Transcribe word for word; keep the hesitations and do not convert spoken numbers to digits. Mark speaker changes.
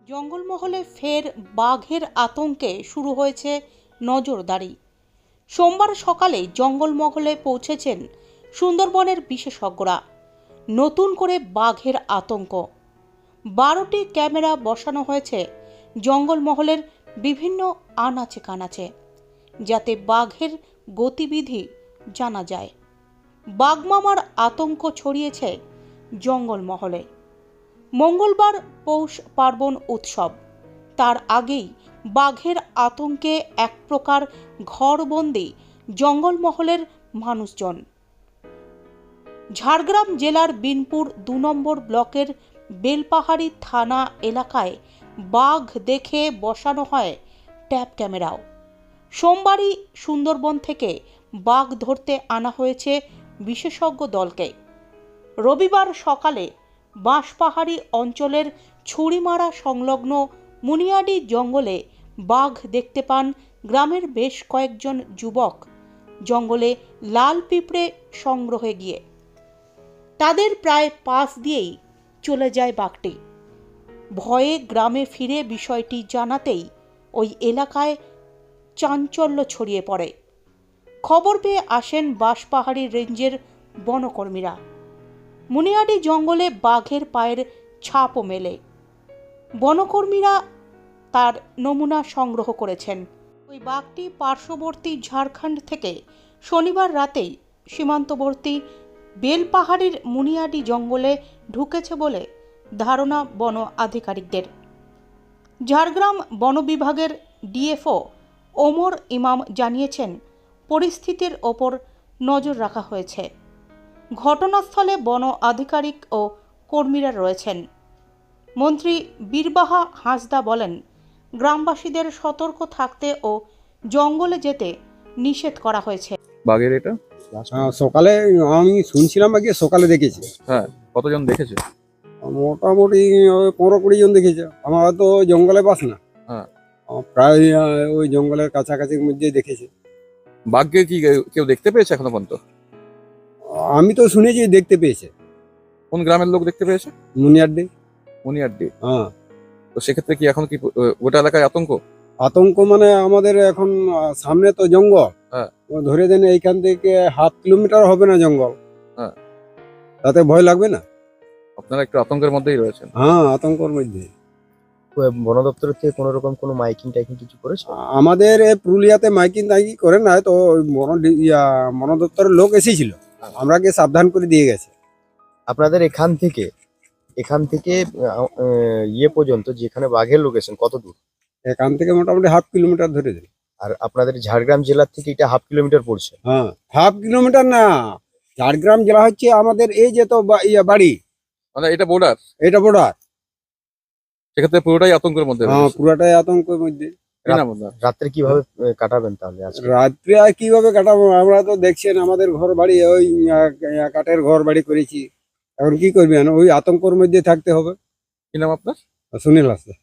Speaker 1: জঙ্গলমহলে ফের বাঘের আতঙ্কে শুরু হয়েছে নজরদারি। সোমবার সকালে জঙ্গলমহলে পৌঁছেছেন সুন্দরবনের বিশেষজ্ঞরা। নতুন করে বাঘের আতঙ্ক। বারোটি ক্যামেরা বসানো হয়েছে জঙ্গলমহলের বিভিন্ন আনাচে কানাচে, যাতে বাঘের গতিবিধি জানা যায়। বাঘমামার আতঙ্ক ছড়িয়েছে জঙ্গলমহলে। মঙ্গলবার পৌষ পার্বণ উৎসব, তার আগেই বাঘের আতঙ্কে এক প্রকার ঘরবন্দি জঙ্গলমহলের মানুষজন। ঝাড়গ্রাম জেলার বিনপুর দু নম্বর ব্লকের বেলপাহাড়ি থানা এলাকায় বাঘ দেখে বসানো হয় ট্যাপ ক্যামেরাও। সোমবারই সুন্দরবন থেকে বাঘ ধরতে আনা হয়েছে বিশেষজ্ঞ দলকে। রবিবার সকালে বাঁশপাহাড়ি অঞ্চলের ছুরিমারা সংলগ্ন মুনিয়াডি জঙ্গলে বাঘ দেখতে পান গ্রামের বেশ কয়েকজন যুবক। জঙ্গলে লাল পিঁপড়ে সংগ্রহে গিয়ে তাদের প্রায় পাশ দিয়েই চলে যায় বাঘটি। ভয়ে গ্রামে ফিরে বিষয়টি জানাতেই ওই এলাকায় চাঞ্চল্য ছড়িয়ে পড়ে। খবর পেয়ে আসেন বাঁশপাহাড়ি রেঞ্জের বনকর্মীরা। মুনিয়াডি জঙ্গলে বাঘের পায়ের ছাপও মেলে। বনকর্মীরা তার নমুনা সংগ্রহ করেছেন। ওই বাঘটি পার্শ্ববর্তী ঝাড়খণ্ড থেকে শনিবার রাতেই সীমান্তবর্তী বেলপাহাড়ির মুনিয়াডি জঙ্গলে ঢুকেছে বলে ধারণা বন আধিকারিকদের। ঝাড়গ্রাম বন বিভাগের ডিএফও ওমর ইমাম জানিয়েছেন, পরিস্থিতির ওপর নজর রাখা হয়েছে। ঘটনাস্থলে বন আধিকারিক ও কর্মীরা রয়েছেন। মন্ত্রী বীরবাহা হাঁসদা বলেন, গ্রামবাসীদের সতর্ক থাকতে ও জঙ্গলে যেতে নিষেধ করা হয়েছে।
Speaker 2: বাঘের এটা
Speaker 3: সকালে আমি শুনছিলাম আগে সকালে দেখেছি।
Speaker 2: হ্যাঁ, কতজন দেখেছে?
Speaker 3: মোটামুটি ওই পনেরো কুড়ি জন দেখেছে। আমার তো জঙ্গলে বাস না,
Speaker 2: হ্যাঁ
Speaker 3: প্রায় ওই জঙ্গলের কাছাকাছির মধ্যেই দেখেছে।
Speaker 2: বাঘকে কি কেউ দেখতে পেয়েছে এখনো পর্যন্ত?
Speaker 3: আমি তো শুনেছি দেখতে পেয়েছে।
Speaker 2: কোন গ্রামের লোক দেখতে পেয়েছে?
Speaker 3: মুনিয়াড্ডি।
Speaker 2: মুনিয়াড্ডি।
Speaker 3: হ্যাঁ,
Speaker 2: তো সেক্ষেত্রে কি এখন কি ওটা এলাকায় আতঙ্ক?
Speaker 3: আতঙ্ক মানে আমাদের এখন সামনে তো জঙ্গল।
Speaker 2: হ্যাঁ,
Speaker 3: ধরে দেন এইখান থেকে হাফ কিলোমিটার হবে না জঙ্গল।
Speaker 2: হ্যাঁ,
Speaker 3: তাতে ভয় লাগবে না?
Speaker 2: আপনারা একটু আতঙ্কের মধ্যেই রয়েছেন।
Speaker 3: হ্যাঁ, আতঙ্কের মধ্যে।
Speaker 4: বন দপ্তরের থেকে কোনো রকম কোনো মাইকিং টাইকিং কিছু করেছে?
Speaker 3: আমাদের এই পুরুলিয়াতে মাইকিং টাইকিং করে না, তো বন বন দপ্তরের লোক এসেছিল, আমরা গিয়ে সাবধান করে দিয়ে গেছে।
Speaker 4: আপনাদের এখান থেকে এখান থেকে ইয়ে পর্যন্ত যেখানে বাঘের লোকেশন কত দূর?
Speaker 3: এখান থেকে মোটামুটি হাফ কিলোমিটার ধরে দেন।
Speaker 4: আর আপনাদের ঝাড়গ্রাম জেলার থেকে এটা হাফ কিলোমিটার পড়ছে?
Speaker 3: হ্যাঁ, হাফ কিলোমিটার না, ঝাড়গ্রাম জেলা হচ্ছে আমাদের এই যে তো বাড়ি,
Speaker 2: মানে এটা বর্ডার,
Speaker 3: এটা বর্ডার।
Speaker 2: সেক্ষেত্রে পুরোটাই আতঙ্কের মধ্যে।
Speaker 3: হ্যাঁ, পুরোটাই আতঙ্কের মধ্যে।
Speaker 4: রাত্রে কিভাবে কাটাবেন তাহলে?
Speaker 3: রাত্রে আর কিভাবে কাটাবো? আমরা তো দেখছেন আমাদের ঘর বাড়ি ওই কাঠের ঘর বাড়ি করেছি, এখন কি করবেন? ওই আতঙ্কের মধ্যে থাকতে হবে।
Speaker 2: কি নাম আপনার?
Speaker 3: সুনীল হাসদা।